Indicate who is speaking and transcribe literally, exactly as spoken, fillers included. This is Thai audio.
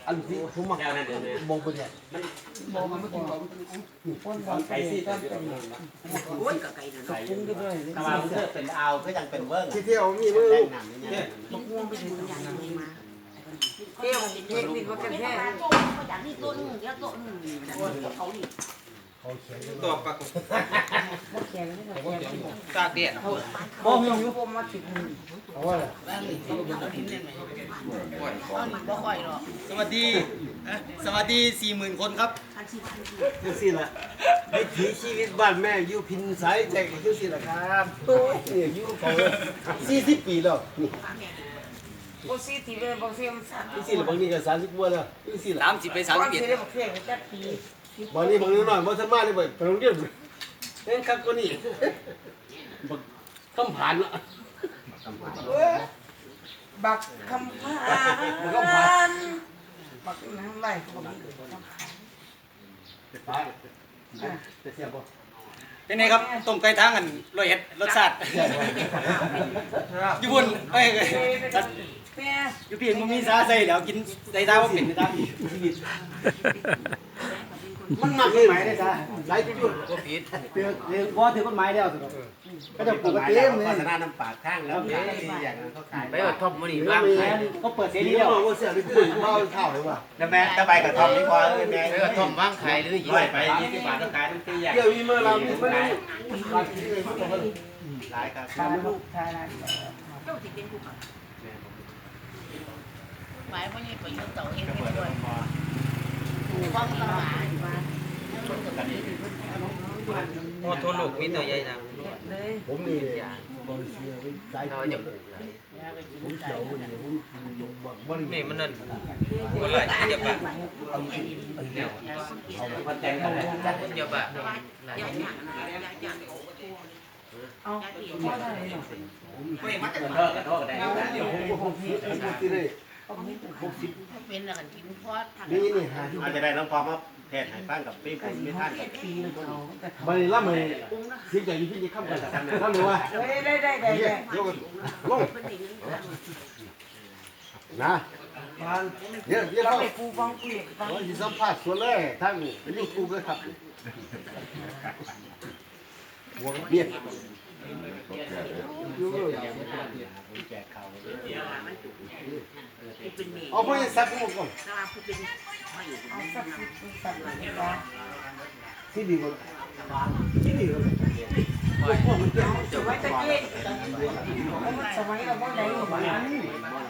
Speaker 1: อันที่ผมมักมองไปเนี่ยมันมองมันไม่กินของคนบางไก่ที่ก็เป็นโอ้ยกับไก่เนี่ยไก่ปรุงได้ด้วยถ้าว่ามันเป็นเอาก็ยังเป็นเบิ้งที่เที่ยวมีมือเนี่ยมะม่วงไปถึงอย่างนี้มาเที่ยวเทคนิคว่ากันแค่อย่างนี้ต้นเดี๋ยวต้นเขาดิ
Speaker 2: ตัวปลากตากเดียดบ่มีอยู่ผมมาติดเอาว่าบ่ค่อยหรอกสวัสดีสวัสดี สี่หมื่น คนครับจังซี่ล่ะวิถีชีวิตบ้านแม่อยู่พินสายแจกจังซี่ล่ะครับโอ้ยนี่อยู่เขาสี่สิบปีแล้วนี่
Speaker 3: บ่สิที่เลยบ่เสียมสั่น
Speaker 1: จังซี่ล่ะบางนี้ก็สามสิบกว่าแล้วจังซี่ล่ะ
Speaker 2: สามสิบไปสามสิบเอ็ด
Speaker 3: สิได้บ่เพียงจักปี
Speaker 1: บางนี้บางนิดหน่อยบ่ทันมาเลยบ่ไปโรงเรียนเล่นครับกว่านี้บักคำผ่านละ
Speaker 3: บักคำผ่านบักน้ำไหลบ่มี
Speaker 1: ไปจะเสียบ่
Speaker 2: เป็นไงครับต้มไก่ทางกันร้อยเอ็ดรสชาติอยู่บนเอ้ยอยู่พี่มันมีซาใส่เดี๋ยวกินใส่ตาว่าเป็นนะครับ
Speaker 1: มันหนักเลยไหมเนี่ยจ้าหลายจุดก็ผิดเตือนเรื่องว่าถือกฎหมายแล้วก็จะปลูกกระเทียมเลยโฆษณาน้ำปากข้างแล้วขายดีอย่างนั้นเขาขาย
Speaker 2: ไปว่าท็อปมันนี่บ้าง
Speaker 1: เขาเปิดเสรีแล้วว่าเสียไปขึ้นเขาเข้าเลยว่ะ
Speaker 2: แล้วแม่ตะใบกับท็อปนี่พอเลยแม่เออท็อปว่างขายหรือยี่สิบบาทยี่สิบบาทต้องขายทั้งปีอย่าง
Speaker 1: เกี่ยวมีเมื่อเรามีเมื่อนี้ขายที่เลยมันก็
Speaker 2: หลายครับ
Speaker 3: ทานลูกทานอะไรเจ้าสิเป็นผู้ขับหมายว่านี่ไปยืนเต่าเองไม่ด้วยความต้องหาอยู่บ้าน
Speaker 2: โอ้ทั่วโลกมีตัวใหญ่นะ
Speaker 1: ผมมีบริษัทสายผมเจ้าเนี่ยผมบริษัท
Speaker 2: นี่มันนั่นคนหลายเดียวกัน
Speaker 1: เอาไปแต่งกันเลย
Speaker 2: เดียวกัน
Speaker 3: เอาไม่ได้หรอก
Speaker 2: ไม่มาจาก
Speaker 1: เลิกกันเลิกกันได้เดี๋ยวผมผมผมที่เลยหกสิบ
Speaker 3: เป็นอะไรกันกินพอด
Speaker 1: นี่นี่ฮะ
Speaker 2: อาจจะได้น้องพอมาแทนหายบ้างกับปีผมไม่ท่านกับ
Speaker 3: ปีนึงเอา
Speaker 1: บันนี้ล่ำเลยเสียใจอยู่ที่จะข้ามกันข้ามเลยว่า
Speaker 3: ได้ได้ได้ได้
Speaker 1: ยกลงนะเดี๋ยวเดี๋ยวเขา
Speaker 3: ปูฟังปูฟัง
Speaker 1: เราจะสัมภาษณ์ส่วนเลยทั้งยูทูบเลยครับหัวเบี้ยเอาไปสักหมดก่อน
Speaker 3: เอาสักสิบสักเลยนะ
Speaker 1: ที่ดีกว่าที่ดีกว่า
Speaker 3: สมัยตะกี้สมัยเราบ่ได้หรอก